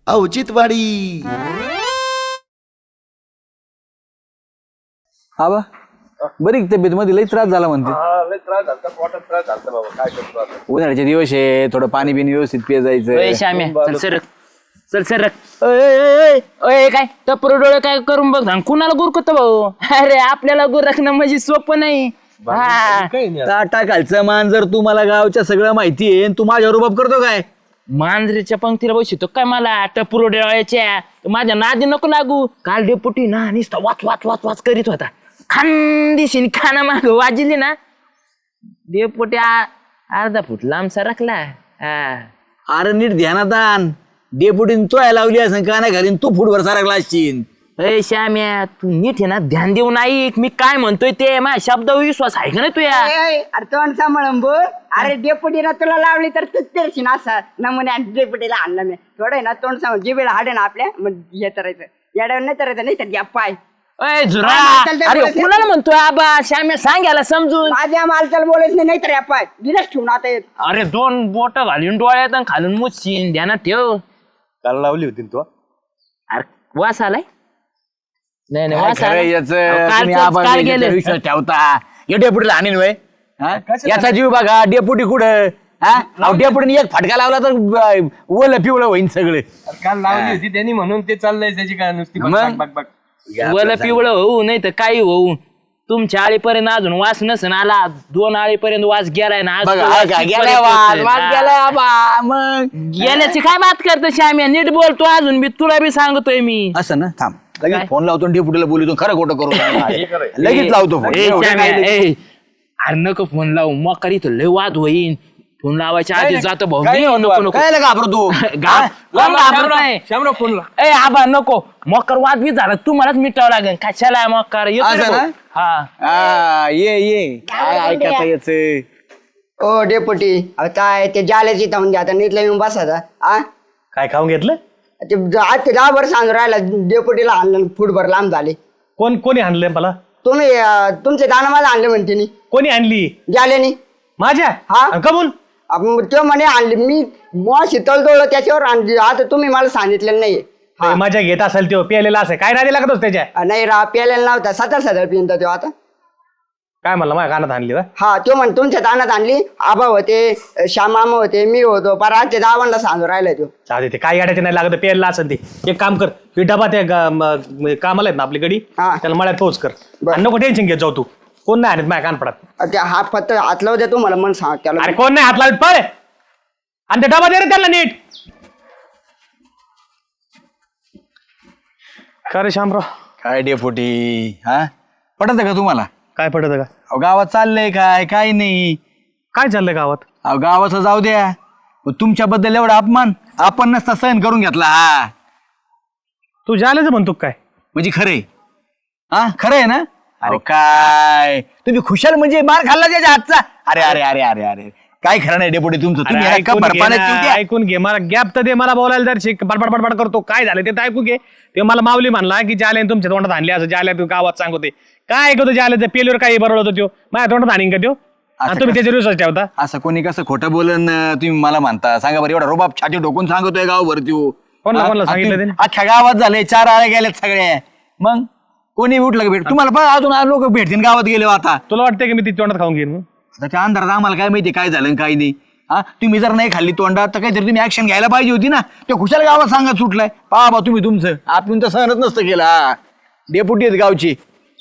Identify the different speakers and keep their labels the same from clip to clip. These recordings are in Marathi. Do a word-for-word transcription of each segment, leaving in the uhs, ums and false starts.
Speaker 1: औचित्यवाडी.
Speaker 2: आबा बरी तब्येत मध्ये लई त्रास झाला म्हणते. उन्हाळ्याचे दिवस आहे, थोडं पाणी बिनी व्यवस्थित पिय जायचं.
Speaker 3: श्याम्या चल सरक चल सरक. अय काय टपर डोळे काय करून बघ आणि कुणाला गुरकत भाऊ. अरे आपल्याला गुरकणं म्हणजे सोपं नाही.
Speaker 2: टाकायचं मान जर तू मला गावच्या सगळं माहिती आहे, तू माझ्या रुबाब करतो काय?
Speaker 3: मांजरीच्या पंक्तीला बसतो काय मला टपुरो डोळ्याच्या. माझ्या नादी नको लागू. काल डेपुटी ना नुसता वाच वाच वाच वाच करीत होता. खानदिशी खाना माग वाजली ना डेपुटी अर्धा फूट लांब सरकला.
Speaker 2: अरे नीट ध्यानात आण. डेपुटीन तो लावली असं का नाही घालीन तू फुटवर सारखला असशील.
Speaker 3: अय श्याम्या तू नीट आहे ना ध्यान देऊन ऐक मी काय म्हणतोय ते. माझ्या शब्दावर विश्वास आहे का नाही तुया.
Speaker 4: अरे तोंड सांभाळून बोल. अरे डेपुटीला तुला लावली तर तूच तेरशी ना असा नमुने डेपुटीला आणलं मी थोडं आहे ना तोंड सांभाळ. जी वेळ हाडे ना आपल्या मग हे करायचं येड्यावर नाही करायचं नाही तर घ्या पाय.
Speaker 3: अय झुरा अरे कुणाला म्हणतोय आबा. श्याम्या सांगायला समजून.
Speaker 4: माझ्या मालकाला बोलायचं नाही नाहीतर या पाय दिलंच ठेवून आता येत.
Speaker 3: अरे दोन बोट घालून डोळ्यात आणि खालून मुच्छीन ध्यानात ठेव.
Speaker 5: काल लावली होती तू.
Speaker 3: अरे वास आलाय. नाही नाही
Speaker 2: काय
Speaker 3: वास
Speaker 2: खरं
Speaker 3: आलाय.
Speaker 2: याचं?
Speaker 3: काल-
Speaker 2: तुम्ही
Speaker 3: काल
Speaker 2: आबाला
Speaker 3: गेले.
Speaker 2: याच्यावर विश्वास ठेवता. या डेपुटीला आणीन वय याचा जीव बघा. डेपुटी कुठं हा डेपुटीने एक फटका लावला तर ओलं पिवळं होईन सगळे.
Speaker 5: काल लावली होती त्यांनी म्हणून ते चाललंय त्याची काय नुसती बक-
Speaker 2: मग?
Speaker 5: बक- बक- बक.
Speaker 3: वल पिवळं होऊ नाही तर काही होऊ. तुमच्या आळीपर्यंत अजून वास नसन आला. दोन आळीपर्यंत वास गेलाय ना. आज
Speaker 2: बघा
Speaker 3: तो वास
Speaker 2: ऐका,
Speaker 3: कितपर्यंत
Speaker 2: गेलाय वाद,
Speaker 3: पोहोचेल?
Speaker 2: वाद
Speaker 3: हा.
Speaker 2: गेलाय आबा. मग
Speaker 3: गेल्याची काय बात करतो श्याम्या. नीट बोलतो अजून मी तुला बी सांगतोय मी.
Speaker 2: असं ना थांब
Speaker 3: काय?
Speaker 2: लगेच फोन लावतो डेपुटीला बोलतो खरं खोटं करू लगेच
Speaker 3: ए,
Speaker 2: लावतो फोन.
Speaker 3: ए,
Speaker 2: एवढं
Speaker 3: श्याम्या,
Speaker 2: काय लगेच?
Speaker 3: ए, अरे नको फोन लावू मग करी तो लय वाद होईन. फोन लावायच्या आधी जातो भाऊ
Speaker 5: काय
Speaker 3: मी.
Speaker 5: होतं
Speaker 3: नको
Speaker 5: वाद?
Speaker 3: नको
Speaker 2: काय घाबरतो
Speaker 3: गा- कोण घाबरत नाही.
Speaker 5: श्यामराव फोनला
Speaker 3: ए आबा नको मकर वाद बी झाला तुम्हालाच मिटावं लागेल. कशाला मकर येतो रे
Speaker 2: असं
Speaker 3: भाऊ.
Speaker 2: ना?
Speaker 3: हा
Speaker 2: हा ये ये काय ऐकता याच.
Speaker 4: ओ डेपुटी अहो काय ते जाल्याची तर म्हणजे आता नीटला येऊन बसायचा आ
Speaker 5: काय खाऊन घेतलं?
Speaker 4: ते ज- आज ते दहा वर्ष सांगून राहिला डेपुटीला आणलं फुटभर लांब झाले.
Speaker 5: कोण कोणी आणलंय मला?
Speaker 4: तुम्ही अं, तुमचे दाना मला आणले म्हणते नी
Speaker 5: कोणी आणली?
Speaker 4: जाल्यानी.
Speaker 5: माझ्या
Speaker 4: हा?
Speaker 5: आणि कबूल
Speaker 4: आपण तो म्हणे आणली मी मग शीतल तोडलं त्याच्यावर आणली. आता तुम्ही मला सांगितलेलं नाही. हा.
Speaker 5: माझ्या घेत असेल तो प्यायलेला असेल काय नाही लागत त्याच्या.
Speaker 4: अं, नाही रा प्यायला नव्हता सतरा सदर पिंत तो आता.
Speaker 5: काय म्हणलं माझ्या कानात आणली का?
Speaker 4: हा तो म्हण तुमच्या दानात आणली. आबा होते श्यामामा होते मी होतो पर आजच्या दावांना सांगून राहिला तो.
Speaker 5: चालते ते काय गाड्याचे नाही लागत प्यायला असेल ते. एक काम कर ही डबा त्या गा- म- म- कामाला आहेत ना आपली गडी
Speaker 4: हा.
Speaker 5: त्याला मळ्यात पोहोच कर.
Speaker 4: बरं.
Speaker 5: आणि नको टेन्शन घेत जाऊ तू. कोण नाही आणत माझ्या कानपडात.
Speaker 4: त्या हात फक्त हात लावू द्या तुम्हाला मन सांग त्याला.
Speaker 5: अरे कोण नाही हात लावत पळ. आणि ते डबा दे रे त्याला नीट. का रे शामराव
Speaker 2: काय डेपुटी हा पटत का तुम्हाला?
Speaker 5: काय पडत का?
Speaker 2: अहो, गावात चाललंय काय काय नाही.
Speaker 5: काय चाललंय गावात?
Speaker 2: अहो गावाचं जाऊ द्या पण तुमच्याबद्दल एवढा अपमान आपण नसता सहन करून घेतला. हा
Speaker 5: तू जायलाच म्हणतो काय?
Speaker 2: म्हणजे खरंय हा खरं आहे ना? अरे काय तुम्ही खुशाल म्हणजे मार खाल्ला त्याच्या हातचा. अरे अरे अरे अरे अरे काय खरं नाही डेपुटी तुमचं. तुम्ही
Speaker 5: अरे
Speaker 2: ह्याला
Speaker 5: ऐकून
Speaker 2: कबर
Speaker 5: घे
Speaker 2: पाण्यात
Speaker 5: ना,
Speaker 2: ठेवू द्या.
Speaker 5: ऐकून घे मला गॅप तर दे मला बोलायला जर शिक बडबड बडबड करतो काय झालं ते तर ऐकू घे. ते मला माऊली म्हणला की जाले तुमच्या तोंडात आणले असं जाल्या तू गावात सांगते काय ऐकतो जाल्या पेलीवर काही बरोबर होतो त्यो माझ्या तोंडात आणीन का त्यो. आणि तुम्ही त्याच्या विश्वास ठेवता.
Speaker 2: असं कोणी कसं खोटं बोलन तुम्ही मला म्हणता सांगा बरं. एवढा रोबाब छाती डोकून सांगतोय गावभर त्यो.
Speaker 5: कोणाला-
Speaker 2: हा?
Speaker 5: कोणाला सांगितलं
Speaker 2: तुम्ही-
Speaker 5: त्याने?
Speaker 2: अख्ख्या गावात झाले चार आळे गेलेत सगळे. मग कोणी उठलं का भेट तुम्हाला पण अजून लोक भेटतील गावात गेले हो आता.
Speaker 5: तुला वाटतंय की मी ती तोंडात खाऊन घेईन मग?
Speaker 2: आता त्या अंधारात आम्हाला काय माहिती काय झालं आणि काय नाही. हा तुम्ही जर नाही खाल्ली तोंडात तर काहीतरी तुम्ही ऍक्शन घ्यायला पाहिजे होती ना. ते खुशाल गावात सांगत सुटलाय पहा बा तुम्ही तुमचं आपण तर सहनच नसतं केलं. हा. डेपुटी आहेत गावची.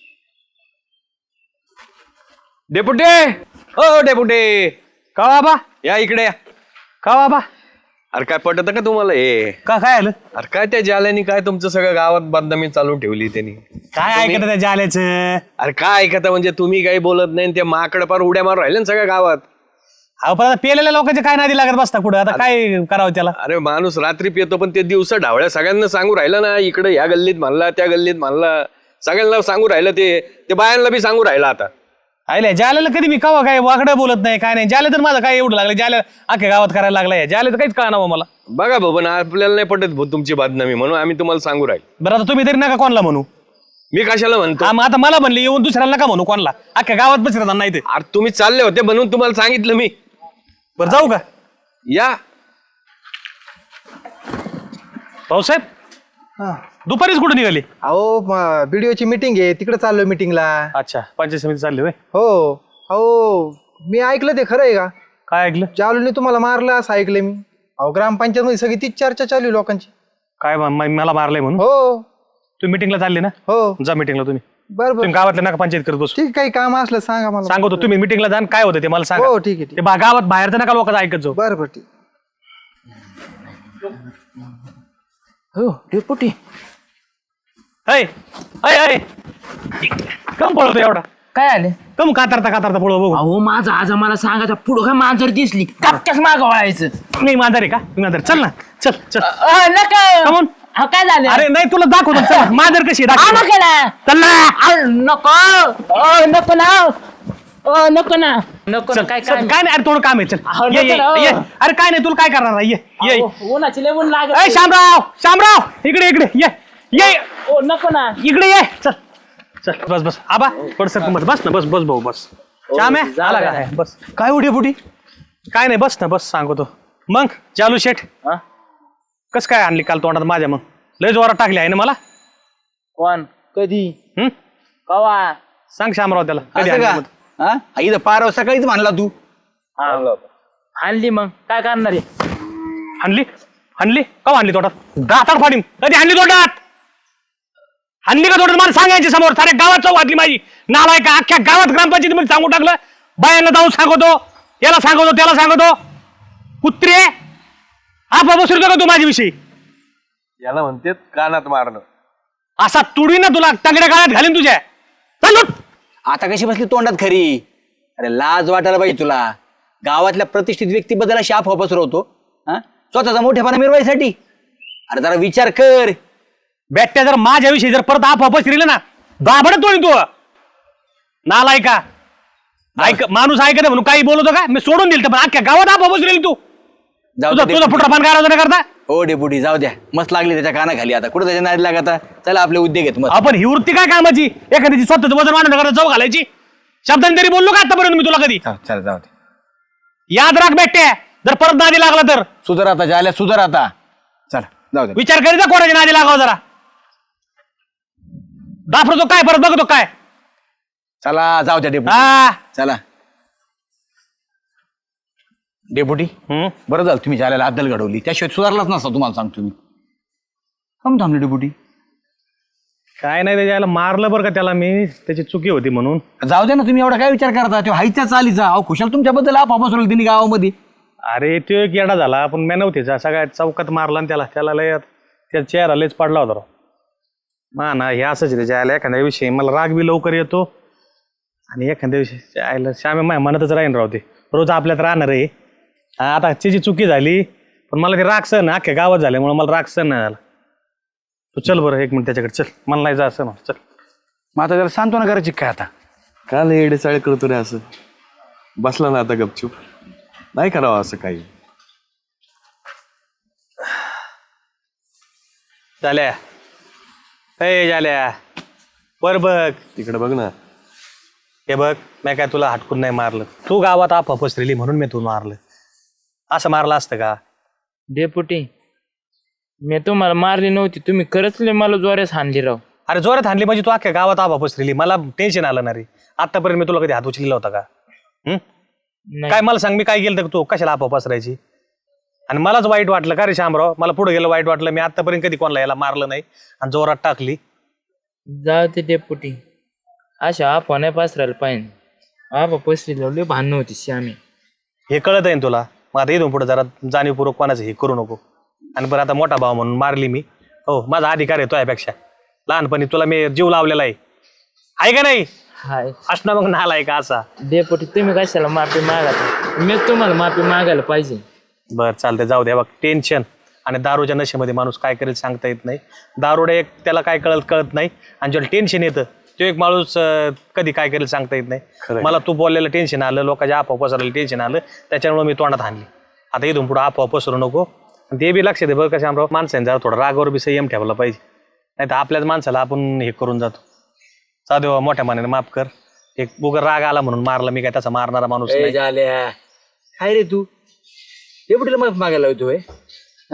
Speaker 6: डेपुटे ओ डेपुटे
Speaker 5: का बाबा
Speaker 6: या इकडे या.
Speaker 5: का बाबा
Speaker 6: अरे काय पटत का तुम्हाला हे?
Speaker 5: का काय आलं?
Speaker 6: अरे काय त्या जाल्यानी काय तुमचं सगळं गावात बदनामी चालून ठेवली त्यांनी.
Speaker 5: काय ऐकत त्या जाल्याचं?
Speaker 6: अरे काय ऐकता म्हणजे तुम्ही काही बोलत नाही ते माकड पार उड्या मारून राहिले ना सगळ्या गावात.
Speaker 5: अहो पण आता पेलेल्या लोकांचे काय नादी लागत बसता कुठं आता काय करावं त्याला?
Speaker 6: अरे माणूस रात्री पितो पण ते दिवस ढावळ्या सगळ्यांना सांगू राहिलं ना. इकडे ह्या गल्लीत म्हणला त्या गल्लीत म्हणला सगळ्यांना सांगू राहिलं. ते ते बायांना बी सांगू राहिलं आता.
Speaker 5: आयले जाल्याला कधी मी कवा काय वाकडं बोलत नाही काय नाही. जाल्या तर माझं काय एवढं लागलं जाल्या अख्ख्या गावात करायला लागलाय. जाल्या तर काहीच कळणार मला.
Speaker 6: बघा भाऊ पण आपल्याला नाही पटत भाऊ तुमची बदनामी म्हणून आम्ही तुम्हाला सांगू राहील.
Speaker 5: बरं आता तुम्ही तरी नका कोणाला म्हणू.
Speaker 6: मी कशाला म्हणतो?
Speaker 5: हा, मग आता मला म्हणले येऊन दुसऱ्याला नका म्हणू कोणाला. अख्ख्या गावात बसत नाही ते.
Speaker 6: अरे तुम्ही चालले होते म्हणून तुम्हाला सांगितलं मी.
Speaker 5: बरं जाऊ का?
Speaker 6: या
Speaker 5: भाऊसाहेब
Speaker 1: हा.
Speaker 5: दुपारीच कुठे निघाली?
Speaker 1: अहो बीडीओची मीटिंग आहे, तिकडे चाललोय मीटिंगला.
Speaker 5: अच्छा, पंचायत समिती चालली होय.
Speaker 1: हो. अहो मी ऐकलं ते खरं आहे का?
Speaker 5: काय ऐकलं?
Speaker 1: जालूने तुम्हाला मारलं असं ऐकलंय मी. अहो ग्रामपंचायत मध्ये सगळी तीच चर्चा चालू आहे लोकांची.
Speaker 5: काय म- म- मला मारलंय म्हणून?
Speaker 1: हो
Speaker 5: तुम्ही मिटिंगला चालले ना?
Speaker 1: हो.
Speaker 5: जा मिटिंगला तुम्ही.
Speaker 1: बरं बरं
Speaker 5: तुम्ही गावातल्या नका पंचायत करत बसू.
Speaker 1: ठीक, काही काम असलं सांगा मला.
Speaker 5: सांगतो तुम्ही मिटिंगला जाण, काय होतं ते मला सांगा.
Speaker 1: हो ठीक आहे ठीक
Speaker 5: ते बा- गावात बाहेरचं नका लोकांचं ऐकत जाऊ.
Speaker 1: बरं बरं ठीक.
Speaker 3: हो डेपुटी.
Speaker 5: ऐ ऐ ऐ कम पळवतो एवढा?
Speaker 3: काय आले?
Speaker 5: कम कातरता कातरता पळव बघू.
Speaker 3: अहो माझा आज मला सांगायचा पुढं काय मांजर दिसली टपक्याच मागं वळायचं.
Speaker 5: नाही मांजर आहे का? मी मांजर. चल ना, चल चल.
Speaker 3: अ, नका.
Speaker 5: Come on.
Speaker 3: हा, काय झालं?
Speaker 5: अरे नाही तुला दाखवतो. चल मांजर कशी आहे,
Speaker 3: हा,
Speaker 5: दाखव.
Speaker 3: नका ना.
Speaker 5: चल ना.
Speaker 3: अ, नको अ, नको ना अ, नको ना नको ना.
Speaker 5: चल,
Speaker 3: काय
Speaker 5: चल,
Speaker 3: काय
Speaker 5: काय नाही. अरे थोडं काम आहे. चल
Speaker 3: अहो,
Speaker 5: ये, ये,
Speaker 3: नको ना.
Speaker 5: ये. अरे काय नाही, तुला काय करणार आहे? ये ये.
Speaker 3: अहो, उन्हाची लय ऊन
Speaker 5: ऐ
Speaker 3: लागत.
Speaker 5: शामराव, शामराव इकडे इकडे ये ये
Speaker 3: ओ, नको ना.
Speaker 5: इकडे ये. चल चल बस बस. आबा पड सर बस बस ना बस बस भाऊ बस. श्याम आहे
Speaker 3: जा
Speaker 5: आला
Speaker 3: द्या.
Speaker 5: का? बस. काय उठे फुटी? काय नाही, बस ना बस. सांगतो मग चालू शेठ
Speaker 3: हा?
Speaker 5: कस काय आणली काल तोंडात माझ्या? मग लय जोरात टाकली आहे ना मला.
Speaker 3: कोण? कधी?
Speaker 5: हम्म
Speaker 3: कवा?
Speaker 5: सांग शामराव त्याला कधी
Speaker 2: असं
Speaker 5: आणली
Speaker 2: का?
Speaker 5: मग?
Speaker 2: हा इथं पार सकाळीच म्हणला तू.
Speaker 3: आणली मग काय करणार आहे?
Speaker 5: हाणली हाणली का हाणली तोंडात? दातार फाडीन. कधी हाणली तोंडात? हाणली का तोंडात? मला सांगायची समोर. साऱ्या गावात चौ घातली माझी. नालाय का अख्ख्या गावात ग्रामपंचायतीमध्ये सांगून टाकलं. बायांना जाऊन सांगतो, याला सांगतो, त्याला सांगतो. कुत्रे आपा बसवतो का तू माझ्याविषयी?
Speaker 6: याला म्हणते कानात मारणं.
Speaker 5: असा तुडी ना तुला तंगड्या काळात घालीन तुझ्या. चल उठ.
Speaker 2: आता कशी बसली तोंडात खरी? अरे लाज वाटायला पाहिजे तुला. गावातल्या प्रतिष्ठित व्यक्तीबद्दल अशी अफवा पसरवतो हा स्वतःचा मोठेपणा मिरवायसाठी? अरे जरा विचार कर.
Speaker 5: बॅट्या जर माझ्याविषयी जर परत आप वापस दिले ना, दाबड तोडीन तू. नालाय का? ऐक माणूस ऐकत म्हणून काही बोलतो का? मी सोडून दिल तर पण अख्ख्या गावात आप वापस दिली तू.
Speaker 2: जाऊ
Speaker 5: तुझा
Speaker 2: दे
Speaker 5: तुझा
Speaker 2: डेपुटी.
Speaker 5: पुढचा पान करायचं नाही करता.
Speaker 2: हो डेपुटी जाऊ द्या. मस्त लागली त्याच्या कानाखाली. आता कुठं त्याच्या नादी लागता? चला आपले उद्योग आहेत मग.
Speaker 5: आपण ही वृत्ती काय कामाची? एखाद्याची स्वतःच वजन वाढवणं करता जाऊ घालायची. शब्दांनी तरी बोललो का आतापर्यंत मी तुला कधी?
Speaker 2: चला जाऊ दे.
Speaker 5: याद राख बॅट्या, जर परत नादी लागला तर
Speaker 2: सुधार आता झाल्या सुधार आता. चला जाऊ दे.
Speaker 5: विचार करीत जा कोणाच्या नादी लागावं जरा. दाफरतो काय परत बघतो काय?
Speaker 2: चला जाऊ द्या डेपुटी.
Speaker 5: हा
Speaker 2: चला डेपुटी.
Speaker 5: हम्म.
Speaker 2: बरं झालं तुम्ही झाल्याला अद्दल घडवली. त्याशिवाय सुधारलाच नसता तुम्हाला सांगतो मी. कम थांबले डेपुटी?
Speaker 5: काय नाही त्याच्याला मारलं बरं का त्याला मी. त्याची चुकी होती म्हणून.
Speaker 2: जाऊ द्या ना. तुम्ही एवढा काय विचार करता? तो हायच्या चालीचा. अहो खुशाल तुमच्याबद्दल आप पसरवली तिने गावामध्ये.
Speaker 5: अरे तो एक येडा झाला पण मी नव्हते सगळ्या चौकात मारला आणि त्याला त्याला लय त्या चेहरा लयच पडला होता राव. मा ना हे असंच आहे त्याच्या आयला. एखाद्या विषयी मला राग बी लवकर येतो आणि एखाद्या विषयी आयला श्यामे माझ्या मनातच राहीन राव. ते रोज आपल्यात राहणार आहे. हा, आता त्याची चुकी झाली पण मला ते राग सहन अख्ख्या गावात झाल्यामुळे मला राग सहन नाही झाला. तू चल बरं एक मिनिट त्याच्याकडे. चल मला नाही जा असं ना. चल
Speaker 2: मग आता जरा सांत्वना करायची काय आता?
Speaker 7: का लय येडेचाळे करतो रे असं? बसला ना आता गपचूप. नाही करावं असं काही.
Speaker 5: झाल्या ए झाल्या वर बघ.
Speaker 7: तिकडे बघ ना.
Speaker 5: हे बघ मी काय तुला हटकून नाही मारलं. तू गावात आप पसरली म्हणून मी तू मारलं. असं मारलं असतं का?
Speaker 3: डेपुटी मी तुम्हाला मारली नव्हती. तुम्ही खरंच लय मला जोऱ्यास हाणली राव.
Speaker 5: अरे जोरात हाणली म्हणजे तू अख्ख्या गावात आबा पसरली. मला टेन्शन आलं ना रे. आतापर्यंत मी तुला कधी हात उचलला होता का? हम्म?
Speaker 3: नाही.
Speaker 5: काय मला सांग मी काय केलं तर तू कशाला आबा पसरायची? आणि मलाच वाईट वाटलं का रे शामराव? मला पुढे गेलं वाईट वाटलं. मी आतापर्यंत कधी कोणाला याला मारलं नाही आणि जोरात टाकली.
Speaker 3: जाऊ ते डेपुटी. अशा आपा नाही पसरायला पाहिजे. आपा पसरी लावली भांडण होती श्यामी.
Speaker 5: हे कळत आहे ना तुला? मग आता इथून पुढे जरा जाणीवपूर्वक कोणाचं हे करू नको. आणि बरं आता मोठा भाव म्हणून मारली मी. हो माझा अधिकार आहे तो यापेक्षा. लहानपणी तुला मी जीव लावलेला आहे. आहे का नाही?
Speaker 3: हाय
Speaker 5: असणं मग नालाय का असा?
Speaker 3: डेपुटी तुम्ही कशाला माफी मागा? मी तुम्हाला माफी मागायला पाहिजे.
Speaker 5: बरं चालतंय जाऊ द्या. बघ टेन्शन आणि दारूच्या नशेमध्ये माणूस काय करेल सांगता येत नाही. दारुडे एक त्याला काय कळत कळत नाही आणि ज्याला टेन्शन येतं तो एक माणूस अं, कधी काय करेल सांगता येत नाही. मला तू बोललेलं टेन्शन आलं, लोकांच्या आपोआप पसरलेलं टेन्शन आलं, त्याच्यामुळे मी तोंडात आणली. आता इथून पुढे आपोआप पसरू नको. ते बी लक्षात आहे बरं का शामराव, माणसाने जरा थोडा रागावर बी संयम ठेवला पाहिजे. नाही तर आपल्याच माणसाला आपण हे करून जातो. साधे मोठ्या मानाने माफ कर. एक उगा राग आला म्हणून मारला मी, काय तसा मारणारा माणूस नाही.
Speaker 2: झाल्या काय रे तू डेपुटीला माफ मागायला होतोय? हा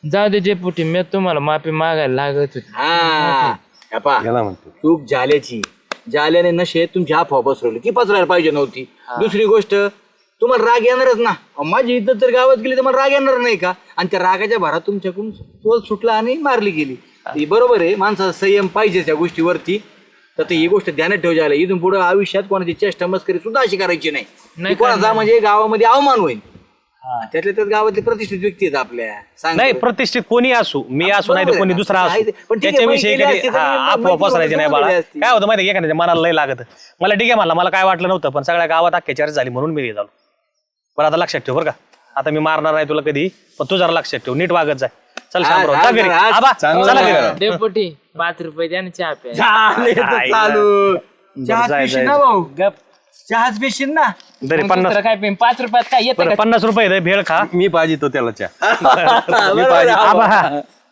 Speaker 3: जाऊ दे डेपुटी मी तुम्हाला माफी मागायला लागत होती.
Speaker 2: हा हे पहा,
Speaker 7: याला म्हणतो
Speaker 2: चूक झाल्याची जाल्याने नशेत तुमची अफवा पसरवली ती पसरायला पाहिजे नव्हती. दुसरी गोष्ट तुम्हाला राग येणारच ना. अहो, माझी इज्जत जर गावात गेली तर मला राग येणार नाही का? आणि त्या रागाच्या भरात तुमच्याकडून तोल सुटला आणि मारली गेली. ही बरोबर आहे, माणसाचा संयम पाहिजे त्या गोष्टीवरती. तर ती ही गोष्ट ध्यानात ठेव जायला. इथून पुढे आयुष्यात कोणाची चेष्टा मस्करी सुद्धा अशी करायची नाही.
Speaker 3: नाही
Speaker 2: ती कोणाचा म्हणजे गावामध्ये अवमान होईल. त्यातल्या त्यात गावातले प्रतिष्ठित व्यक्ती आहेत आपल्या. सांग
Speaker 5: नाही
Speaker 2: बरं.
Speaker 5: प्रतिष्ठित कोणी असू, मी असू नाही तर
Speaker 2: बरोबर
Speaker 5: कोणी
Speaker 2: आहे
Speaker 5: दुसरा
Speaker 2: ना.
Speaker 5: असू,
Speaker 2: आहे ते. पण ठीक आहे,
Speaker 5: त्याच्याविषयी
Speaker 2: माहिती
Speaker 5: कधी
Speaker 2: असती तर
Speaker 5: हा
Speaker 2: मी
Speaker 5: अफवा
Speaker 2: माहिती
Speaker 5: पसरायची नाही बाळा.
Speaker 2: समजली असती.
Speaker 5: काय होतं माहिती एखाद्याच्या मनाला लय लागत. मला ठीक आहे म्हणला, मला काय वाटलं नव्हतं, पण सगळ्या गावात अख्ख्या चर्चा झाली म्हणून मी झालो. बरं आता लक्षात ठेव बरं का, आता मी मारणार नाही तुला कधी, पण तू जरा लक्षात ठेव, नीट वागत जाय. चल
Speaker 2: हा,
Speaker 5: शामराव,
Speaker 2: हा,
Speaker 5: जा घरी.
Speaker 2: हा,
Speaker 5: आबा,
Speaker 7: चांगलं
Speaker 5: चला
Speaker 7: आहे.
Speaker 5: घरी.
Speaker 3: डेपुटी पाच रुपये द्या ना चहा प्या.
Speaker 2: झाले तर
Speaker 5: आई
Speaker 2: चालू. चहाच
Speaker 5: जाय,
Speaker 2: पिशील
Speaker 5: जाय.
Speaker 2: ना भाऊ,
Speaker 3: गप
Speaker 2: चहाच पिशील ना.
Speaker 5: तरी
Speaker 3: मग
Speaker 5: पन्नास
Speaker 3: दुसरं काय पेन पाच रुपयात काय येतं
Speaker 5: बरं
Speaker 3: का?
Speaker 5: पन्नास रुपये दे, भेळ खा.
Speaker 7: मी पाहिजे तो त्याला चहा
Speaker 2: बरोबर आहे.
Speaker 5: आबा